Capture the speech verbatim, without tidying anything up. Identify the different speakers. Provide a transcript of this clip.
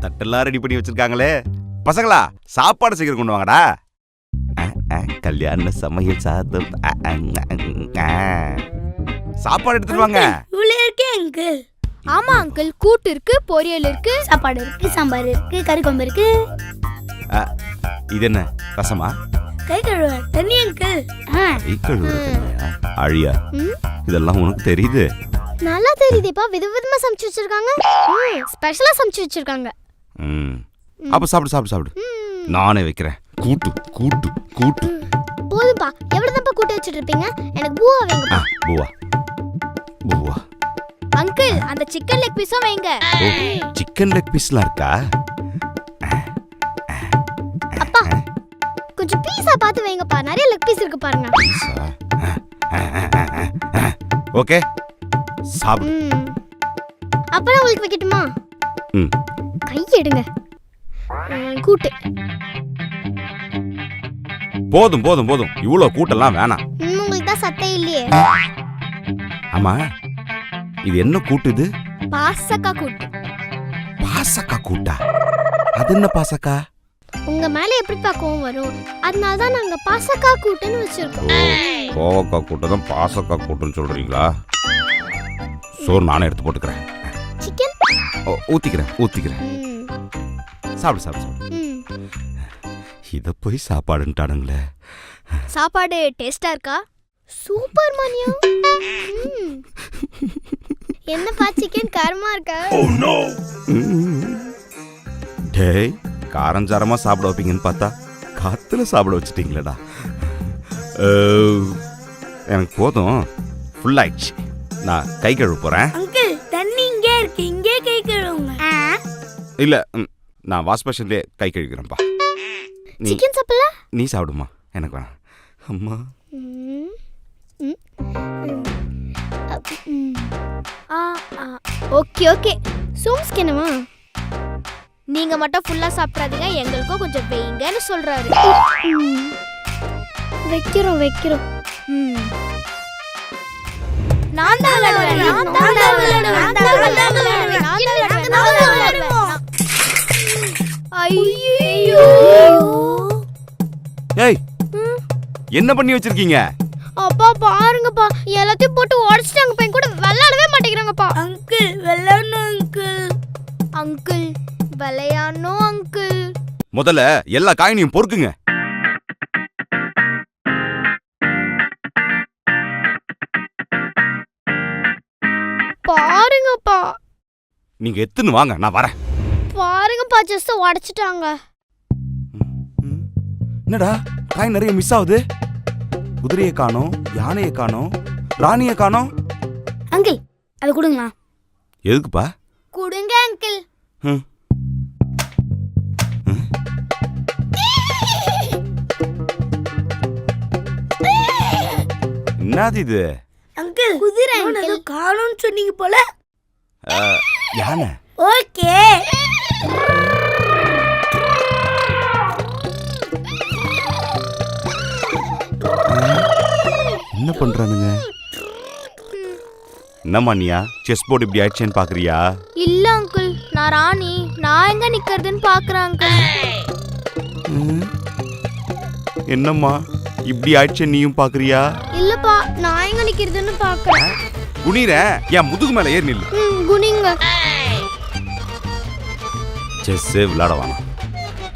Speaker 1: தட்டெல்லாம் ready பண்ணி வச்சிருக்காங்களே. பசங்களா சாப்பாடு சீக்கிரம் கொண்டு வாங்கடா. கல்யாண சமையல் சாதம். சாப்பாடு எடுத்துட்டு வாங்க.
Speaker 2: இவ்வளவு இருக்கே அங்கிள்.
Speaker 3: ஆமா அங்கிள், கூட்டு இருக்கு, பொரியல் இருக்கு,
Speaker 2: சாப்பாடு இருக்கு, சாம்பார் இருக்கு, கறி குழம்பு இருக்கு.
Speaker 1: இது என்ன ரசமா?
Speaker 2: கை கழுவ தண்ணி அங்கிள்.
Speaker 1: கை கழுவ தண்ணியா? அழியா, இதெல்லாம் உனக்கு தெரியுது?
Speaker 3: நல்லா தெரியுதேப்பா. விதவிதமா சமைச்சு வச்சிருக்காங்க. ஸ்பெஷலா சமைச்சு வச்சிருக்காங்க.
Speaker 1: ம் அப்ப சாப்பிடு சாப்பிடு சாப்பிடு. நானே வைக்கிறேன். கூட்டு கூட்டு கூட்டு.
Speaker 3: போதும்பா. எவ்வளவுதான்ப்பா கூட்டு வச்சிட்டு இருப்பீங்க? எனக்கு பூவா வேங்கப்பா.
Speaker 1: பூவா பூவா.
Speaker 3: அங்கிள், அந்த சிக்கன் லெக் பீஸும் வைங்க.
Speaker 1: ஓ, சிக்கன் லெக் பீஸ்லாம் இருக்கா?
Speaker 3: அப்பா கொஞ்சம் பீஸா பார்த்து வைங்கப்பா. நிறைய லெக் பீஸ் இருக்கு பாருங்க.
Speaker 1: பீஸா? ஓகே சாப்பிடு.
Speaker 3: அப்புறம் உங்களுக்கு வைக்கட்டுமா?
Speaker 1: ம்
Speaker 3: கை எடுங்க. கூட்டு
Speaker 1: போதும் போதும் போதும். இவ்வளோ கூட்டெல்லாம் வேணாம்.
Speaker 3: உங்களுக்கு தான் சத்தே இல்லையே.
Speaker 1: ஆமா, இது என்ன கூட்டு? இது
Speaker 3: பாசக்கா கூட்டு.
Speaker 1: பாசக்கா கூட்டா? அது என்ன பாசக்கா?
Speaker 3: உங்க மேல எப்படிப்பா கோவம் வரும்? அதனால தான் நாங்க பாசக்கா கூட்டுன்னு வச்சிருக்கோம்.
Speaker 1: கோவக்கா கூட்டம் தான் பாசக்கா கூட்டுன்னு சொல்றீங்களா? சோறு நானே எடுத்து போட்டுக்கிறேன்.
Speaker 3: சிக்கன்
Speaker 1: ஊத்திக்கிறேன் ஊத்திக்கிறேன். சாப்பிடு சாப்பிடு சாப்பிடு. இத போய் சாப்பாடுன்ட்டானுங்களே.
Speaker 3: சாப்பாடு டேஸ்டா இருக்கா? சூப்பர் மணியா. என்னப்பா சிக்கன் காரமா இருக்கா?
Speaker 1: Oh no. டேய், காரஞ்சாரமா சாப்பிட வைப்பீங்கன்னு பார்த்தா காத்துல சாப்பிட வச்சிட்டீங்களேடா. எனக்கு போதும், ஃபுல் ஆயிடுச்சு. நான் கை கழுவ போறேன்.
Speaker 2: அங்கிள் தண்ணி இங்கே இருக்கு, இங்கே கை கழுவுங்க.
Speaker 1: இல்ல, நான் வாஷ் பேஷன்லயே கை கழுவிக்கிறேன்ப்பா.
Speaker 3: சிக்கன் சாப்பிடல?
Speaker 1: நீ சாப்பிடுமா, எனக்கு வேணாம். அம்மா.
Speaker 3: Okay okay. சோம்ஸ்கேனமா? நீங்க மட்டும் ஃபுல்லா சாப்பிடாதீங்க, எங்களுக்கும் கொஞ்சம் வைங்கன்னு சொல்றாரு. வைக்கிறோம் வைக்கிறோம். நான் தான் விளையாடுவேன், நான் தான் விளையாடுவேன், நான் தான் விளையாடுவேன், நான் தான் விளையாடுவேன். ஐயோ.
Speaker 1: ஏய், என்ன பண்ணி வச்சிருக்கீங்க?
Speaker 3: அப்பா பாருங்கப்பா, எல்லாத்தையும் போட்டு உடைச்சிட்டாங்க. பையன் கூட விளையாடவே மாட்டேங்கிறாங்கப்பா.
Speaker 2: அங்கிள் விளையாடணும் அங்கிள்.
Speaker 3: அங்கிள் விளையாடணும் அங்கிள்.
Speaker 1: முதல்ல எல்லா காயினையும் பொறுக்குங்க.
Speaker 3: பாருங்கப்பா.
Speaker 1: நீங்க எத்துன்னு வாங்க, நான் வரேன்.
Speaker 3: பாருங்கப்பா, ஜஸ்ட் உடைச்சிட்டாங்க.
Speaker 1: என்னடா காய் நிறைய மிஸ் ஆகுது? குதிரையை காணோம், யானையை காணோம், ராணியை காணோம்.
Speaker 2: அங்கிள் அது கொடுங்களா?
Speaker 1: எதுக்குப்பா?
Speaker 3: கொடுங்க அங்கிள்.
Speaker 1: என்னது இது?
Speaker 2: அங்கிள் குதிரை ஏதோ காணோம்னு சொன்னீங்க போல.
Speaker 1: யானை.
Speaker 2: ஓகே.
Speaker 1: என்ன பண்றானுங்க? என்னம்மா நீயா செஸ் போர்டு இப்படி ஆயிடுச்சேன்னு பாக்குறியா?
Speaker 3: இல்ல அங்கிள், நான் ராணி. நான் எங்க நிக்கிறதுன்னு பாக்குறேன் அங்கிள்.
Speaker 1: என்னம்மா இப்படி ஆயிடுச்சே நீயும் பாக்குறியா?
Speaker 3: இல்லப்பா, நான் எங்க நிக்கிறதுன்னு பாக்குறேன்.
Speaker 1: குனிற, என் முதுகு மேல ஏறி நில்லு.
Speaker 3: குனிங்க.
Speaker 1: செஸ் விளையாட வேணாம்.